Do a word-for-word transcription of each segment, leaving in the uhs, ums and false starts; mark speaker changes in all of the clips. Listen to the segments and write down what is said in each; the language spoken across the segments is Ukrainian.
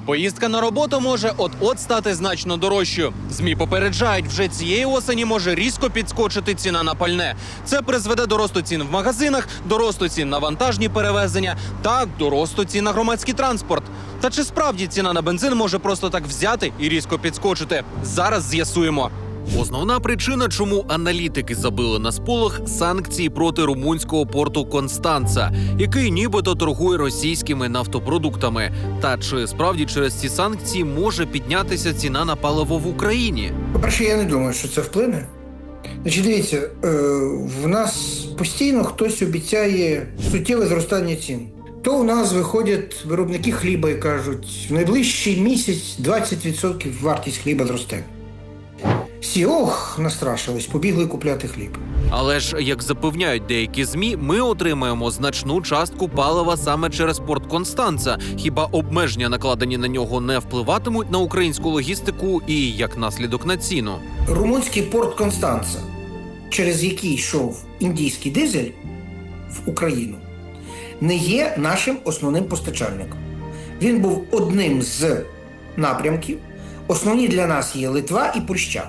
Speaker 1: Поїздка на роботу може от-от стати значно дорожчою. ЗМІ попереджають, вже цієї осені може різко підскочити ціна на пальне. Це призведе до росту цін в магазинах, до росту цін на вантажні перевезення та до росту цін на громадський транспорт. Та чи справді ціна на бензин може просто так взяти і різко підскочити? Зараз з'ясуємо. Основна причина, чому аналітики забили на сполох – санкції проти румунського порту Констанца, який нібито торгує російськими нафтопродуктами. Та чи справді через ці санкції може піднятися ціна на паливо в Україні?
Speaker 2: По-перше, я не думаю, що це вплине. Значить, дивіться, е, в нас постійно хтось обіцяє суттєве зростання цін. То у нас виходять виробники хліба і кажуть, в найближчий місяць двадцять відсотків вартість хліба зросте. Всі, ох, настрашились, побігли купляти хліб.
Speaker 1: Але ж, як запевняють деякі ЗМІ, ми отримаємо значну частку палива саме через порт Констанца. Хіба обмеження, накладені на нього, не впливатимуть на українську логістику і, як наслідок, на ціну?
Speaker 2: Румунський порт Констанца, через який йшов індійський дизель в Україну, не є нашим основним постачальником. Він був одним з напрямків. Основні для нас є Литва і Польща.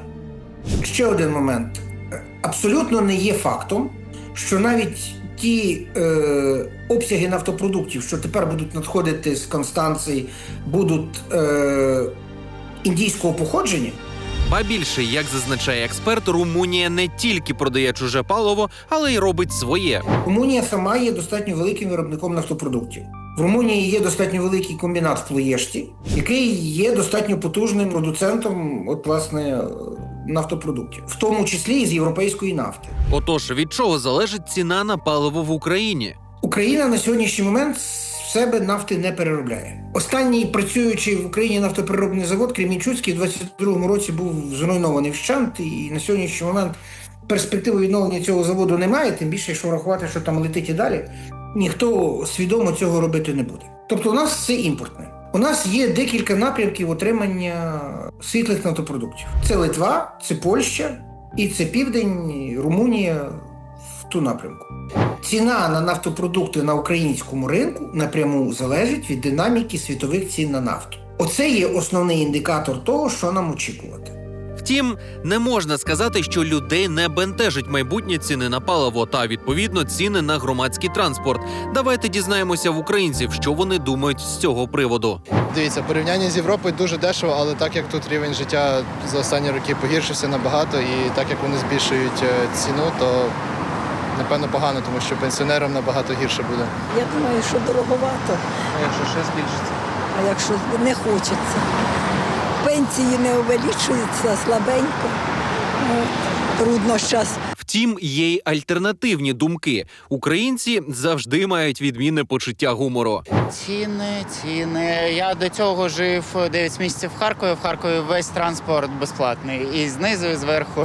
Speaker 2: Ще один момент. Абсолютно не є фактом, що навіть ті е, обсяги нафтопродуктів, що тепер будуть надходити з Констанції, будуть е, індійського походження.
Speaker 1: Ба більше, як зазначає експерт, Румунія не тільки продає чуже паливо, але й робить своє.
Speaker 2: Румунія сама є достатньо великим виробником нафтопродуктів. В Румунії є достатньо великий комбінат в Плоєшті, який є достатньо потужним продуцентом, от, власне, нафтопродуктів, в тому числі і з європейської нафти.
Speaker 1: Отож, від чого залежить ціна на паливо в Україні?
Speaker 2: Україна на сьогоднішній момент в себе нафти не переробляє. Останній працюючий в Україні нафтопереробний завод Кремінчуцький в двадцять другому році був зруйнований вщент, і на сьогоднішній момент перспективи відновлення цього заводу немає, тим більше, якщо врахувати, що там летить і далі, ніхто свідомо цього робити не буде. Тобто у нас все імпортне. У нас є декілька напрямків отримання світлих нафтопродуктів. Це Литва, це Польща і це Південь, Румунія в ту напрямку. Ціна на нафтопродукти на українському ринку напряму залежить від динаміки світових цін на нафту. Оце є основний індикатор того, що нам очікувати.
Speaker 1: Втім, не можна сказати, що людей не бентежить майбутнє ціни на паливо та, відповідно, ціни на громадський транспорт. Давайте дізнаємося в українців, що вони думають з цього приводу.
Speaker 3: Дивіться, порівняння з Європою дуже дешево, але так як тут рівень життя за останні роки погіршився набагато, і так як вони збільшують ціну, то напевно погано, тому що пенсіонерам набагато гірше буде.
Speaker 4: Я думаю, що дороговато.
Speaker 1: А якщо ще збільшиться?
Speaker 4: А якщо не хочеться. Пенсії не увеличуються, слабенько. От. Трудно зараз.
Speaker 1: Втім, є й альтернативні думки. Українці завжди мають відмінне почуття гумору.
Speaker 5: Ціни, ціни. Я до цього жив дев'ять місяців в Харкові. В Харкові весь транспорт безплатний. І знизу, і зверху.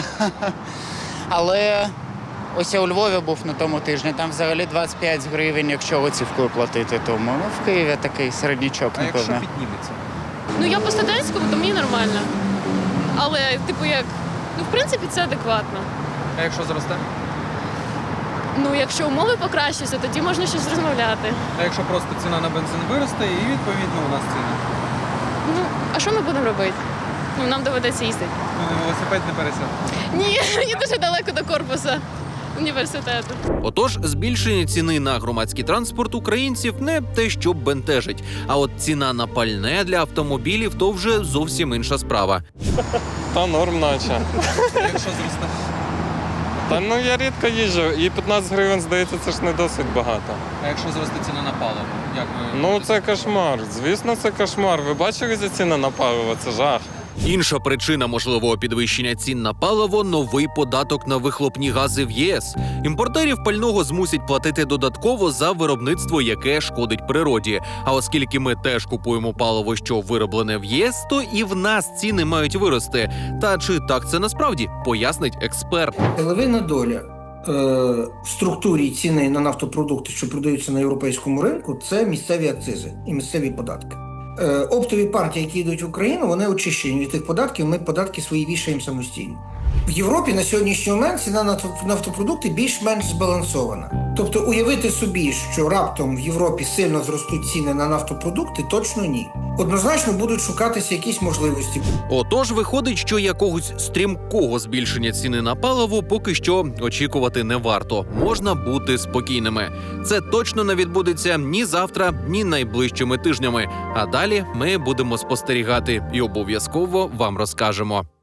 Speaker 5: Але ось я у Львові був на тому тижні. Там взагалі двадцять п'ять гривень, якщо готівкою платити. Тому ну, в Києві такий середнячок,
Speaker 1: А
Speaker 5: напевно.
Speaker 1: якщо підніметься?
Speaker 6: Ну, я по студентському, то мені нормально. Але, типу, як, ну, в принципі, це адекватно.
Speaker 1: А якщо зросте?
Speaker 6: Ну, якщо умови покращаться, тоді можна щось розмовляти.
Speaker 7: А якщо просто ціна на бензин виросте і, відповідно, у нас ціни?
Speaker 6: Ну, а що ми будемо робити? Ну, нам доведеться їздити.
Speaker 7: Ну, велосипед не пересяде.
Speaker 6: Ні, мені дуже далеко до корпусу університету.
Speaker 1: Отож, збільшення ціни на громадський транспорт українців не те, що бентежить. А от ціна на пальне для автомобілів – то вже зовсім інша справа.
Speaker 8: Та норм наче.
Speaker 7: Якщо зросте?
Speaker 8: Та ну я рідко їжджу, і п'ятнадцять гривень, здається, це ж не досить багато.
Speaker 7: А якщо зросте ціна на паливо? Як ви...
Speaker 8: Ну це кошмар, звісно, це кошмар. Ви бачили ці ціни на паливо? Це жах.
Speaker 1: Інша причина можливого підвищення цін на паливо – новий податок на вихлопні гази в ЄС. Імпортерів пального змусять платити додатково за виробництво, яке шкодить природі. А оскільки ми теж купуємо паливо, що вироблене в ЄС, то і в нас ціни мають вирости. Та чи так це насправді, пояснить експерт.
Speaker 2: Левина доля е, в структурі ціни на нафтопродукти, що продаються на європейському ринку, це місцеві акцизи і місцеві податки. Е, оптові партії, які йдуть в Україну, вони очищені від тих податків, ми податки свої вішаємо самостійно. В Європі на сьогоднішній момент ціна на нафтопродукти більш-менш збалансована. Тобто уявити собі, що раптом в Європі сильно зростуть ціни на нафтопродукти, точно ні. однозначно будуть шукатися якісь можливості.
Speaker 1: Отож, виходить, що якогось стрімкого збільшення ціни на паливо поки що очікувати не варто. Можна бути спокійними. Це точно не відбудеться ні завтра, ні найближчими тижнями. А далі ми будемо спостерігати і обов'язково вам розкажемо.